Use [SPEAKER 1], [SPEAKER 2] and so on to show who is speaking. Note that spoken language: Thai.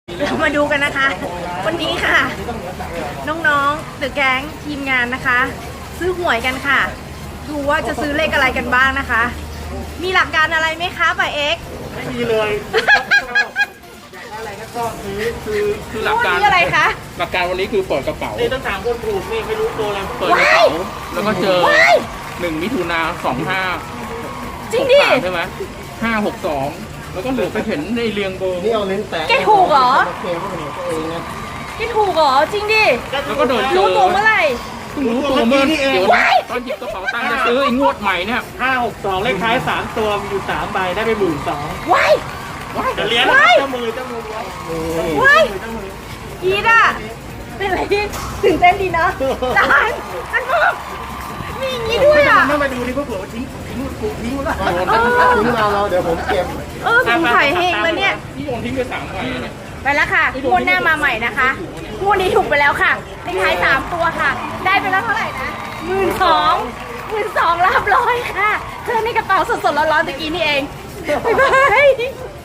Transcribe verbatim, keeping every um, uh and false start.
[SPEAKER 1] เรามาดูกันนะคะ วันนี้ค่ะ น้องๆเดอะแก๊งทีมงานนะคะ ซื้อหวยกันค่ะ ดูว่าจะซื้อเลขอะไรกันบ้างนะคะ มีหลักการอะไรไหมคะป่าเอ็กซ์
[SPEAKER 2] ไม่มีเลยอยากได้อะไรก็ซื้อซื้อ
[SPEAKER 3] คือหลักการ
[SPEAKER 1] นี่อะไรคะ
[SPEAKER 3] หลักการวันนี้คือเปิดกระเป๋า
[SPEAKER 2] นี่ต้องถามคนถูกนี่ไม่รู้ตัวอะไร
[SPEAKER 3] เปิดกระเป๋าแล้วก็เจอ
[SPEAKER 1] ว้าย
[SPEAKER 3] หนึ่งมิถุนาสองห้า
[SPEAKER 1] จริงดิ
[SPEAKER 3] ใช่ไหมห้าหกสองแล้วก็เหลือไปเห็นในเรียงเบอร์
[SPEAKER 4] นี่เอาลิ้นแตะ
[SPEAKER 1] แกถูกเหรอ
[SPEAKER 4] เคลมว่าเป็นของตัวเองนะ
[SPEAKER 1] แกถูกเหรอจริงดิ
[SPEAKER 3] แล้วก็เดินเจ
[SPEAKER 1] รู้
[SPEAKER 3] อ
[SPEAKER 1] ตัวเมื่อไหร่
[SPEAKER 3] เพิ่งรู้ตัวเมื่อเดี๋ยวตอนหยิบกระเป๋าตังค์จะซื้อไอ้งวดใหม่เนี่ย
[SPEAKER 2] ห้าหกสองเลขท้ายสามตัวมีอยู่สามใบได้ไปหมื่นสอง
[SPEAKER 1] ว้าย
[SPEAKER 2] จะเลี้ยง
[SPEAKER 1] ว้าย
[SPEAKER 2] เจ้ามือเจ้ามือเลี้ยง
[SPEAKER 1] ว้าย
[SPEAKER 2] เจ้ามือ
[SPEAKER 1] อีดอ่ะเป็นอะไรที่ตื่นเต้นดีเนาะจานอันมากมีอย่างนี้ด้วยอ่ะ
[SPEAKER 2] ไม่มาดูดิพวกเผื่อว่าทิ้งทิ้งถูกทิ้งแล้ว
[SPEAKER 4] ถ้าทิ้งมาเราเดี๋ยวผมเก็บ
[SPEAKER 1] เออสงสัยเฮงแล้วเนี่ย
[SPEAKER 3] ที่โดนทิ้งไปสามใบเนี่ย
[SPEAKER 1] ไปแล้วค่ะงวดหน้ามาใหม่นะคะงวดนี้ถูกไปแล้วค่ะเลขท้ายสามตัวค่ะ ได้ไปแล้วเท่าไหร่นะหมื่นสองหมื่นสองรับร้อยค่ะเธอในกระเป๋าสดๆร้อนๆตะกี้นี่เองบ๊ายบาย